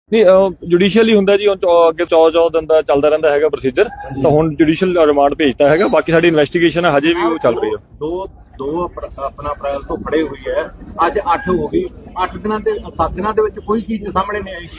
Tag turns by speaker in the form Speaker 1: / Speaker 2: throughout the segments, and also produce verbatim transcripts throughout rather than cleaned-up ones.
Speaker 1: ਨਹੀਂ ਜੁਡੀਸ਼ੀਅਲੀ ਹੁੰਦਾ ਜੀ, ਅੱਗੇ ਚੌ ਚੌ ਦਿਨ ਦਾ ਚੱਲਦਾ ਰਹਿੰਦਾ ਹੈਗਾ ਪ੍ਰੋਸੀਜਰ। ਤਾਂ ਹੁਣ ਜੁਡੀਸ਼ੀਅਲ ਰਿਮਾਂਡ ਭੇਜਤਾ ਹੈਗਾ, ਬਾਕੀ ਸਾਡੀ ਇਨਵੈਸਟੀਗੇਸ਼ਨ ਹੈ ਹਜੇ ਵੀ ਉਹ ਚੱਲ ਰਹੀ ਹੈ।
Speaker 2: ਦੋ ਦੋ ਆਪਣਾ ਅਪ੍ਰੈਲ ਤੋਂ ਫੜੇ ਹੋਈ ਹੈ, ਅੱਜ ਅੱਠ ਹੋ ਗਈ। ਅੱਠ ਦਿਨਾਂ ਤੇ ਸੱਤ ਦਿਨਾਂ ਦੇ ਵਿੱਚ ਕੋਈ ਚੀਜ਼ ਸਾਹਮਣੇ ਨਹੀਂ ਆਈ।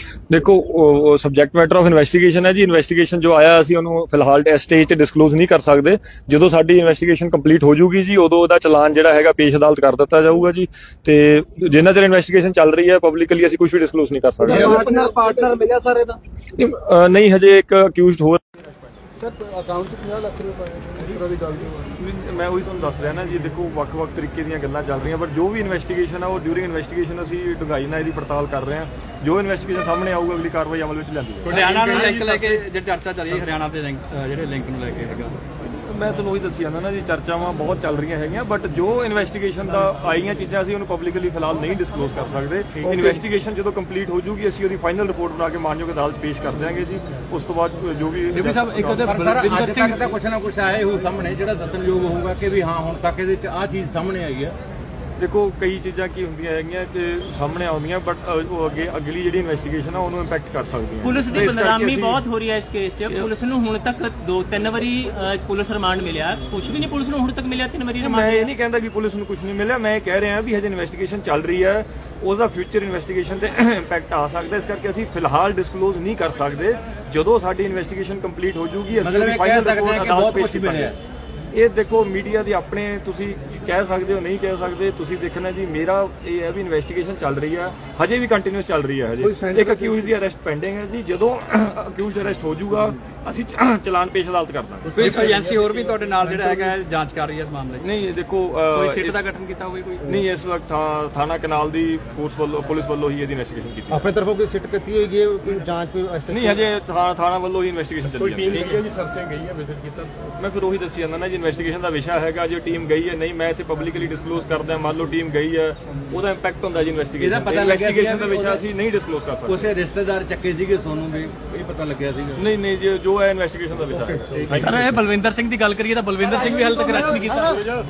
Speaker 1: ਦੇਖੋ ਸਬਜੈਕਟ ਮੈਟਰ ਆਫ ਇਨਵੈਸਟੀਗੇਸ਼ਨ ਹੈ ਜੀ। ਇਨਵੈਸਟੀਗੇਸ਼ਨ ਜੋ ਆਇਆ ਅਸੀਂ ਉਹਨੂੰ ਫਿਲਹਾਲ ਇਸ ਸਟੇਜ ਤੇ ਡਿਸਕਲੋਜ਼ ਨਹੀਂ ਕਰ ਸਕਦੇ। ਜਦੋਂ ਸਾਡੀ ਇਨਵੈਸਟੀਗੇਸ਼ਨ ਕੰਪਲੀਟ ਹੋ ਜੂਗੀ ਜੀ, ਉਦੋਂ ਉਹਦਾ ਚਲਾਨ ਜਿਹੜਾ ਹੈਗਾ ਪੇਸ਼ ਅਦਾਲਤ ਕਰ ਦਿੱਤਾ ਜਾਊਗਾ ਜੀ। ਤੇ ਜਿੰਨਾ ਚਿਰ ਇਨਵੈਸਟੀਗੇਸ਼ਨ ਚੱਲ ਰਹੀ ਹੈ ਪਬਲਿਕਲੀ ਅਸੀਂ ਕੁਝ ਵੀ ਡਿਸਕਲੋਜ਼ ਨਹੀਂ ਕਰ ਸਕਦੇ।
Speaker 2: ਪਾਰਟਨਰ ਮਿਲਿਆ ਸਰ ਇਹਦਾ
Speaker 1: ਨਹੀਂ, ਹਜੇ ਇੱਕ ਅਕਿਊਜ਼ਡ ਹੋਰ
Speaker 3: ਸਰ ਅਕਾਊਂਟ 'ਚ ਪੰਜਾਹ ਲੱਖ ਰੁਪਏ ਪਾਏ ਇਸ ਤਰ੍ਹਾਂ ਦੀ ਗੱਲ ਜੋ
Speaker 1: ਮੈਂ ਉਹੀ ਤੁਹਾਨੂੰ ਦੱਸ ਰਿਹਾ ਨਾ ਜੀ। ਦੇਖੋ ਵੱਖ-ਵੱਖ ਤਰੀਕੇ ਦੀਆਂ ਗੱਲਾਂ ਚੱਲ ਰਹੀਆਂ, ਪਰ ਜੋ ਵੀ ਇਨਵੈਸਟੀਗੇਸ਼ਨ ਆ ਉਹ ਡਿਊਰਿੰਗ ਇਨਵੈਸਟੀਗੇਸ਼ਨ ਅਸੀਂ ਡੂੰਘਾਈ ਨਾਲ ਇਹਦੀ ਪੜਤਾਲ ਕਰ ਰਹੇ ਹਾਂ। ਜੋ ਇਨਵੈਸਟੀਗੇਸ਼ਨ ਸਾਹਮਣੇ ਆਊਗਾ ਅਗਲੀ ਕਾਰਵਾਈ ਅਮਲ ਵਿੱਚ ਲਿਆਂਦੀ ਜਾਊਗੀ।
Speaker 4: ਹਰਿਆਣਾ ਨੂੰ ਲਿੰਕ ਲੈ ਕੇ ਜਿਹੜੀ ਚਰਚਾ ਚੱਲ ਰਹੀ ਹੈ, ਹਰਿਆਣਾ ਤੇ ਜਿਹੜੇ ਲਿੰਕ ਨੂੰ ਲੈ ਕੇ ਹੈਗਾ,
Speaker 1: ਮੈਂ ਤੁਹਾਨੂੰ ਉਹੀ ਦੱਸੀ ਜਾਂਦਾ ਨਾ ਜੀ, ਚਰਚਾਵਾਂ ਬਹੁਤ ਚੱਲ ਰਹੀਆਂ ਹੈਗੀਆਂ, ਬਟ ਜੋ ਇਨਵੈਸਟੀਗੇਸ਼ਨ ਦਾ ਆਈਆਂ ਚੀਜ਼ਾਂ ਅਸੀਂ ਉਹਨੂੰ ਪਬਲਿਕਲੀ ਫਿਲਹਾਲ ਨਹੀਂ ਡਿਸਕਲੋਜ਼ ਕਰ ਸਕਦੇ। ਇਨਵੈਸਟੀਗੇਸ਼ਨ ਜਦੋਂ ਕੰਪਲੀਟ ਹੋ ਜੂਗੀ ਅਸੀਂ ਉਹਦੀ ਫਾਈਨਲ ਰਿਪੋਰਟ ਬਣਾ ਕੇ ਮਾਨਯੋਗ ਅਦਾਲਤ ਪੇਸ਼ ਕਰ ਦਿਆਂਗੇ ਜੀ। ਉਸ ਤੋਂ ਬਾਅਦ ਜੋ ਵੀ
Speaker 2: ਡਿਪਟੀ ਸਾਹਿਬ ਇੱਕ ਤਾਂ ਬਲਵਿੰਦਰ ਸਿੰਘ ਦਾ ਕੁਛ ਨਾ ਕੁਛ ਆਇਆ ਹੋ ਸਾਹਮਣੇ ਜਿਹੜਾ ਦੱਸਣਯੋਗ ਹੋਊਗਾ ਕਿ ਵੀ ਹਾਂ ਹੁਣ ਤੱਕ ਇਹਦੇ ਚ ਆਹ ਚੀਜ਼ ਸਾਹਮਣੇ ਆਈ ਹੈ।
Speaker 1: ਦੇਖੋ ਕਈ ਚੀਜ਼ਾਂ ਕੀ ਹੁੰਦੀਆਂ ਹੈਗੀਆਂ ਕਿ ਸਾਹਮਣੇ ਆਉਂਦੀਆਂ, ਬਟ ਉਹ ਅੱਗੇ ਅਗਲੀ ਜਿਹੜੀ ਇਨਵੈਸਟੀਗੇਸ਼ਨ ਆ ਉਹਨੂੰ ਇੰਪੈਕਟ ਕਰ ਸਕਦੀਆਂ।
Speaker 5: ਪੁਲਿਸ ਦੀ ਬਦਨਾਮੀ ਬਹੁਤ ਹੋ ਰਹੀ ਹੈ ਇਸ ਕੇਸ 'ਚ। ਪੁਲਿਸ ਨੂੰ ਹੁਣ ਤੱਕ ਦੋ ਤਿੰਨ ਵਾਰੀ ਪੁਲਿਸ ਰਿਮਾਂਡ ਮਿਲਿਆ, ਕੁਝ ਵੀ ਨਹੀਂ ਪੁਲਿਸ ਨੂੰ ਹੁਣ ਤੱਕ ਮਿਲਿਆ। ਤਿੰਨ ਵਾਰੀ
Speaker 1: ਮੈਂ ਇਹ ਨਹੀਂ ਕਹਿੰਦਾ ਕਿ ਪੁਲਿਸ ਨੂੰ ਕੁਝ ਨਹੀਂ ਮਿਲਿਆ, ਮੈਂ ਇਹ ਕਹਿ ਰਿਹਾ ਵੀ ਹਜੇ ਇਨਵੈਸਟੀਗੇਸ਼ਨ ਚੱਲ ਰਹੀ ਹੈ, ਉਹਦਾ ਫਿਊਚਰ ਇਨਵੈਸਟੀਗੇਸ਼ਨ ਤੇ ਇੰਪੈਕਟ ਆ ਸਕਦਾ। ਇਸ ਕਰਕੇ ਅਸੀਂ ਫਿਲਹਾਲ ਡਿਸਕਲੋਜ਼ ਨਹੀਂ ਕਰ ਸਕਦੇ। ਜਦੋਂ ਸਾਡੀ ਇਨਵੈਸਟੀਗੇਸ਼ਨ ਕੰਪਲੀਟ ਹੋ ਜੂਗੀ ਅਸੀਂ ਉਹਦੀ ਫਾਈਨਲ ਰਿਪੋਰਟ ਅਦਾਲਤ ਪੇਸ਼ ਕਰਾਂਗੇ। ਇਹ ਦੇਖੋ ਮੀਡੀਆ ਦੀ ਆਪਣੇ ਤੁਸੀਂ ਕਹਿ ਸਕਦੇ ਹੋ, ਨਹੀਂ ਕਹਿ ਸਕਦੇ, ਤੁਸੀਂ ਦੇਖਣਾ ਜੀ। ਮੇਰਾ ਇਹ ਹੈ ਵੀ ਇਨਵੈਸਟੀਗੇਸ਼ਨ ਚੱਲ ਰਹੀ ਹੈ, ਹਜੇ ਵੀ ਕੰਟੀਨਿਊਸ ਚੱਲ ਰਹੀ ਹੈ। ਹਜੇ ਇੱਕ ਅਕਿਊਜ਼ ਦੀ ਅਰੈਸਟ ਪੈਂਡਿੰਗ ਹੈ ਜੀ। ਜਦੋਂ ਅਕਿਊਜ਼ ਅਰੈਸਟ ਹੋ ਜਾਊਗਾ ਅਸੀਂ ਚਲਾਨ ਪੇਸ਼ ਅਦਾਲਤ ਕਰ ਦਾਂਗੇ।
Speaker 4: ਕੋਈ ਏਜੰਸੀ ਹੋਰ ਵੀ ਤੁਹਾਡੇ ਨਾਲ ਜਿਹੜਾ ਹੈਗਾ ਜਾਂਚ ਕਰ ਰਹੀ ਹੈ ਇਸ ਮਾਮਲੇ 'ਚ?
Speaker 1: ਨਹੀਂ ਦੇਖੋ
Speaker 4: ਕੋਈ ਸਿੱਟ ਦਾ ਗਠਨ ਕੀਤਾ ਹੋਵੇ ਕੋਈ?
Speaker 1: ਨਹੀਂ, ਇਸ ਵਕਤ ਥਾਣਾ ਕਨਾਲ ਦੀ ਫੋਰਸ ਵੱਲੋਂ ਪੁਲਿਸ ਵੱਲੋਂ ਹੀ ਇਹਦੀ ਇਨਵੈਸਟੀਗੇਸ਼ਨ ਕੀਤੀ।
Speaker 3: ਆਪਣੇ ਤਰਫੋਂ ਕੋਈ ਸਿੱਟ ਕੀਤੀ ਹੋਈ ਹੈ, ਕੋਈ ਜਾਂਚ ਕੋਈ ਐਸੇ
Speaker 1: ਨਹੀਂ, ਹਜੇ ਥਾਣਾ ਵੱਲੋਂ ਹੀ ਇਨਵੈਸਟੀਗੇਸ਼ਨ ਚੱਲੀ
Speaker 3: ਕੋਈ ਟੀਮ ਗਈ ਹੈ ਜੀ, ਸਰਸੇ ਗਈ ਹੈ, ਵਿਜ਼ਿਟ ਕੀਤਾ?
Speaker 1: ਮੈਂ ਫਿਰ ਉਹੀ ਦੱਸੀ ਜਾਂਦਾ ਨਾ ਜੀ, ਇਨਵੈਸਟੀਗੇਸ਼ਨ ਦਾ ਵਿਸ਼ਾ ਹੈਗਾ। ਜੇ ਟੀਮ ਗਈ ਹੈ, ਨਹੀਂ ਮੈਂ ਇੱਥੇ ਪਬਲਿਕਲੀ ਡਿਸਕਲੋਜ਼ ਕਰਦਾ। ਮੰਨ ਲਓ ਟੀਮ ਗਈ ਹੈ, ਉਹਦਾ ਇੰਪੈਕਟ ਹੁੰਦਾ ਜੀ ਇਨਵੈਸਟੀਗੇਸ਼ਨ।
Speaker 2: ਇਹਦਾ ਪਤਾ ਲੱਗਿਆ
Speaker 1: ਇਨਵੈਸਟੀਗੇਸ਼ਨ ਦਾ ਵਿਸ਼ਾ ਅਸੀਂ ਨਹੀਂ ਡਿਸਕਲੋਜ਼ ਕਰ ਸਕਦੇ।
Speaker 2: ਉਸੇ ਰਿਸ਼ਤੇਦਾਰ ਚੱਕੇ ਸੀਗੇ ਸੋਨੂੰ ਵੀ, ਇਹ ਪਤਾ ਲੱਗਿਆ ਸੀਗਾ?
Speaker 1: ਨਹੀਂ ਨਹੀਂ ਜੀ, ਜੋ ਹੈ ਇਨਵੈਸਟੀਗੇਸ਼ਨ ਦਾ ਵਿਸ਼ਾ ਹੈ।
Speaker 4: ਸਰ ਇਹ ਬਲਵਿੰਦਰ ਸਿੰਘ ਦੀ ਗੱਲ ਕਰੀਏ ਤਾਂ ਬਲਵਿੰਦਰ ਸਿੰਘ ਵੀ ਹਾਲੇ ਤੱਕ ਅਰੈਸਟ ਨਹੀਂ ਕੀਤਾ।